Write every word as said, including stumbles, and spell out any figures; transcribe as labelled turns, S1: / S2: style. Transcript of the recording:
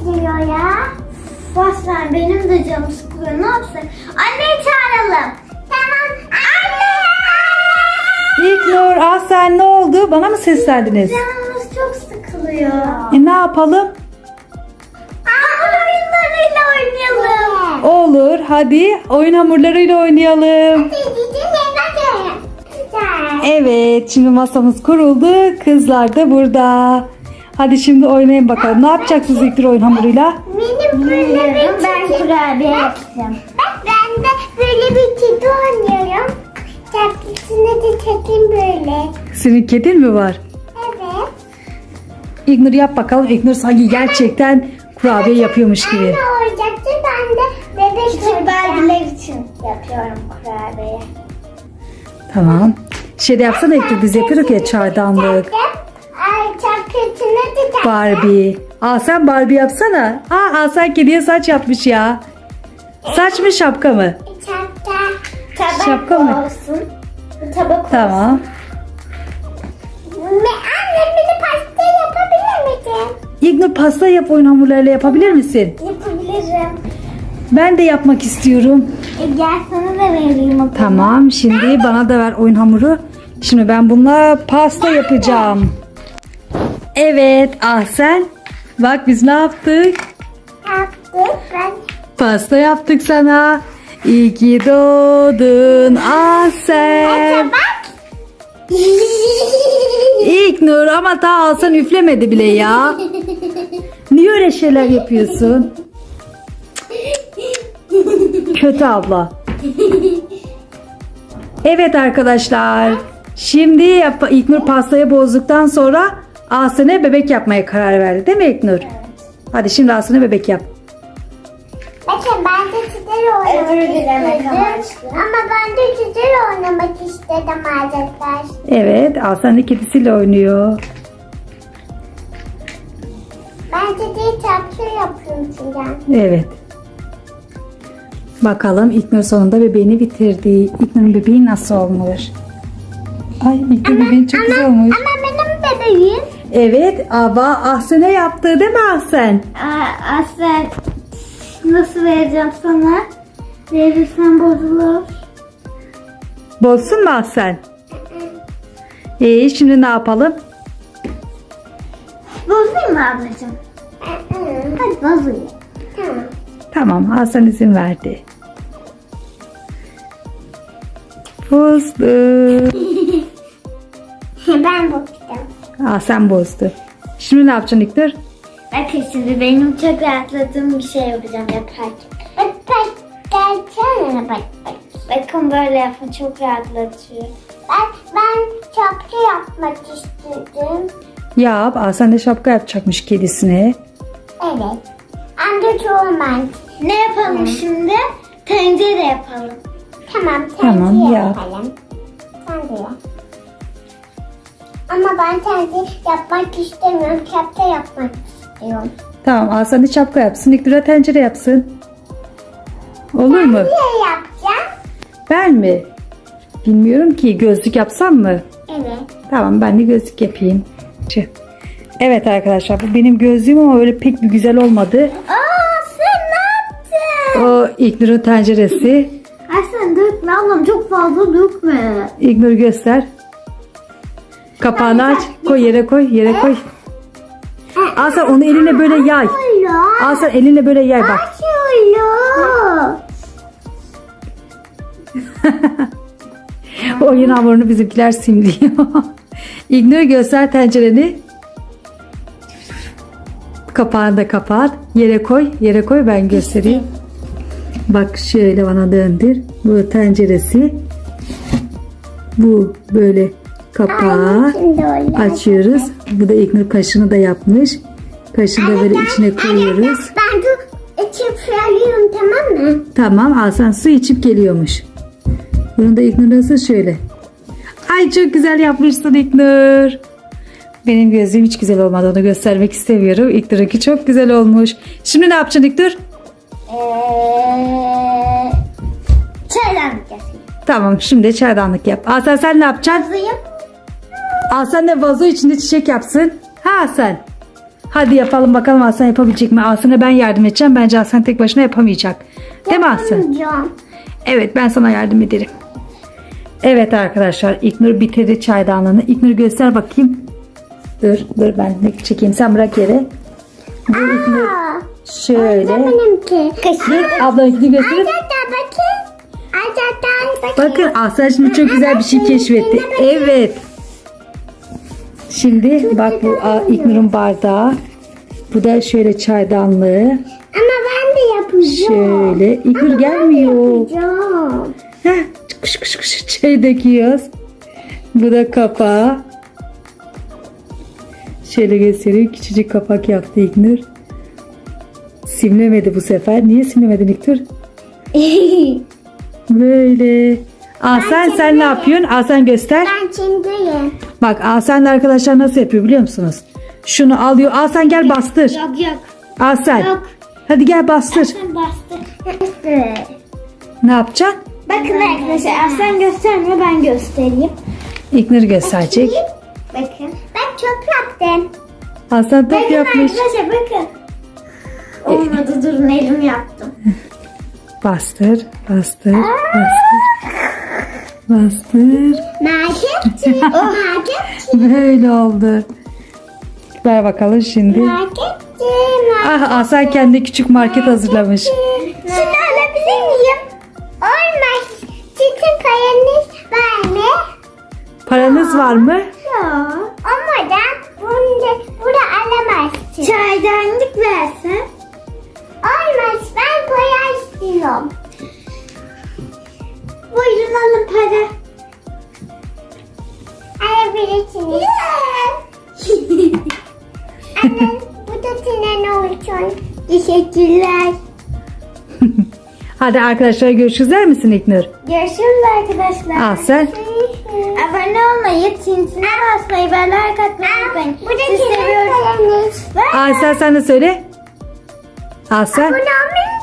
S1: gidiyor ya. Baslar benim de canım sıkılıyor. Ne yapsın? Anneyi çağıralım. Tamam. Anne!
S2: İlknur, Ahsen ne oldu? Bana mı seslendiniz?
S1: Canımız çok sıkılıyor.
S2: E ne yapalım?
S1: Hamur oyunlarıyla oynayalım.
S2: Olur, hadi oyun hamurlarıyla oynayalım. Evet, şimdi masamız kuruldu. Kızlar da burada. Hadi şimdi oynayın bakalım. Ne yapacaksınız İlknur oyun hamuruyla?
S1: Benim böyle bir ben kurabiye yapacağım. Bak ben de böyle bir kedi oynuyorum. Çarpısına da çekeyim böyle.
S2: Senin kedin mi var?
S1: Evet.
S2: İlknur yap bakalım. İlknur sanki gerçekten kurabiye yapıyormuş gibi.
S1: Ben de oyuncakçı, ben de bebek küçük belgeler için yapıyorum kurabiye.
S2: Tamam. Şey de yapsana İlknur, biz yapıyoruz ya çaydanlık.
S1: Ay çarpısına da çekeyim.
S2: Barbie. Aa sen Barbie yapsana. Aa, aa sen kediye saç yapmış ya. Saç mı şapka mı?
S1: Şapka. Tabak
S2: Şapka mı?
S1: olsun. Tabak olsun.
S2: Tamam.
S1: Ve anne bir de pasta yapabilir misin?
S2: İlknur pasta yap, oyun hamurlarıyla yapabilir misin?
S1: Yapabilirim.
S2: Ben de yapmak istiyorum.
S1: E, gel sana da vereyim o.
S2: Tamam, şimdi bana da ver oyun hamuru. Şimdi ben bununla pasta yapacağım. Evet, ah sen. Bak biz ne yaptık?
S1: Yaptık. Ben
S2: Pasta yaptık sana. İyi ki doğdun ah sen.
S1: bak.
S2: İlknur ama daha Hasan üflemedi bile ya. Niye öyle şeyler yapıyorsun? Kötü abla. Evet arkadaşlar. Şimdi yap İlknur pastayı bozduktan sonra Ahsen'e bebek yapmaya karar verdi. Değil mi İlknur? Evet. Hadi şimdi Ahsen'e bebek yap.
S1: Bakın ben de sizlerle oynamak istedim. Ama ben de sizlerle oynamak istedim arkadaşlar.
S2: Evet, Ahsen de kedisiyle oynuyor.
S1: Ben size çarpı yapıyorum şimdi.
S2: Evet. Bakalım İlknur sonunda bebeğini bitirdi. İlknur'un bebeği nasıl olmuş? Ay İlknur bebeğin çok güzel olmuş.
S1: Ama benim bebeğim.
S2: Evet, ama Ahsen'e yaptı değil mi Ahsen?
S1: Aa, Aslen nasıl vereceğim sana? Verirsen bozulur.
S2: Bozsun mu Ahsen? Ee, şimdi ne yapalım?
S1: Bozayım mı ablacığım? Hadi bozayım. Tamam.
S2: Tamam, Ahsen izin verdi. Bozdu.
S1: Ben bozdum.
S2: Ahsen bozdu. Şimdi ne yapacaksın İlknur?
S1: Bakın şimdi benim çok rahatladığım bir şey yapacağım yaparken. Bak bak gelsene bak bak. Bakın böyle yapın çok rahatlatıyor. Ben, ben şapka yapmak istedim.
S2: Yap, Ahsen de şapka yapacakmış kedisine.
S1: Evet. Anne çoğu ben. Ne yapalım şimdi? Tencere yapalım. Tamam tencere
S2: Tamam, yap.
S1: yapalım. Tencere. Ama ben tencere yapmak istemiyorum. Kepçe yapmak istiyorum.
S2: Tamam, Ahsen de şapka yapsın. İlknur'a tencere yapsın. Olur mu?
S1: Niye yapacağım?
S2: Ben mi? Bilmiyorum ki. Gözlük yapsam mı?
S1: Evet.
S2: Tamam, ben de gözlük yapayım. Tüh. Evet arkadaşlar, bu benim gözlüğüm ama öyle pek bir güzel olmadı.
S1: Aa sen ne yaptın?
S2: O İlknur'un tenceresi.
S1: Ay sen dökme ablam çok fazla dökme.
S2: İlknur göster. Kapağını aç. Koy yere koy. Yere koy. Ahsen onu eline böyle yay.
S1: Şöyle.
S2: Ahsen elinle böyle yay bak.
S1: Şöyle.
S2: Oyun hamurunu bizimkiler simliyor. İlknur göster tencereni. Kapağını da kapat. Yere koy. Yere koy ben göstereyim. Bak şöyle bana döndür. Bu tenceresi. Bu böyle kapağı açıyoruz. Bu da İlknur kaşığını da yapmış. Kaşığını da böyle içine koyuyoruz.
S1: Ben de içip söylüyorum tamam mı?
S2: Tamam, Hasan su içip geliyormuş. Bunu da İlknur nasıl şöyle. Ay çok güzel yapmışsın İlknur. Benim gözlüğüm hiç güzel olmadı, onu göstermek istemiyorum. İlknur'unki çok güzel olmuş. Şimdi ne yapacaksın İlknur?
S1: Eee çaydanlık yapayım.
S2: Tamam, şimdi çaydanlık yap. Hasan sen ne yapacaksın?
S1: Yazayım.
S2: Hasan de vazo içinde çiçek yapsın. Ha Hasan. Hadi yapalım bakalım Aslan yapabilecek mi? Aslan'a ben yardım edeceğim. Bence Aslan tek başına yapamayacak. Değil mi Aslan?
S1: Yapamayacağım.
S2: Evet, ben sana yardım ederim. Evet arkadaşlar, İlknur bitirdi çaydanlığını. İlknur göster bakayım. Dur dur ben de çekeyim, sen bırak yere. Bu İlknur
S1: Aa,
S2: şöyle.
S1: benimki.
S2: Dur ablanınkini göstereyim.
S1: Acaba bakın. Acaba bakın.
S2: Bakın Aslan şimdi çok güzel bir şey keşfetti. Evet. Şimdi bak bu a, İlknur'un bardağı. Bu da şöyle çaydanlığı.
S1: Ama ben de yapacağım.
S2: Şöyle. İlknur
S1: Ama
S2: gelmiyor.
S1: Ben de yapacağım.
S2: Heh, kış kış kış çay döküyoruz. Bu da kapağı. Şöyle göstereyim. Küçücük kapak yaptı İlknur. Simlemedi bu sefer. Niye simlemedin İlknur? Böyle. Asen sen ne yapıyorsun? Asen göster.
S1: Ben çindiyim.
S2: Bak Asen de arkadaşlar nasıl yapıyor biliyor musunuz? Şunu alıyor. Asen gel bastır.
S1: Yok yok.
S2: Asen.
S1: Yok.
S2: Hadi gel bastır.
S1: Sen bastır.
S2: Ne yapacaksın?
S1: Bakın arkadaşlar Aslan göstermiyor, ben göstereyim.
S2: İlknur gösterecek.
S1: Bakın. Ben çok yaptım.
S2: Asen top
S1: Bakın
S2: yapmış.
S1: arkadaşlar bakın. Olmadı, durun elim yaptım.
S2: Bastır, bastır, bastır. Bastır.
S1: Marketçi. Marketçi.
S2: Böyle oldu. Ver bakalım şimdi.
S1: Marketçi.
S2: Ah Asen kendi küçük market hazırlamış.
S1: Şunu alabilir miyim? Olmaz. Sizin paranız var mı?
S2: Paranız var mı?
S1: Yok. Ama da bunu, bunu alamazsın. Çaydanlık versen. Olmaz. Ben para istiyorum. Buyurun alın para. Alabilirsiniz. Anne bu da senin olsun. Teşekkürler.
S2: Hadi arkadaşlar görüşürüz der misin İlknur?
S1: Görüşürüz arkadaşlar.
S2: Asen.
S1: Abone olmayı, tintine basmayı ve like atmayı unutmayın. Sizi seviyoruz.
S2: Asen sen de söyle. Asen.
S1: Abone olmayı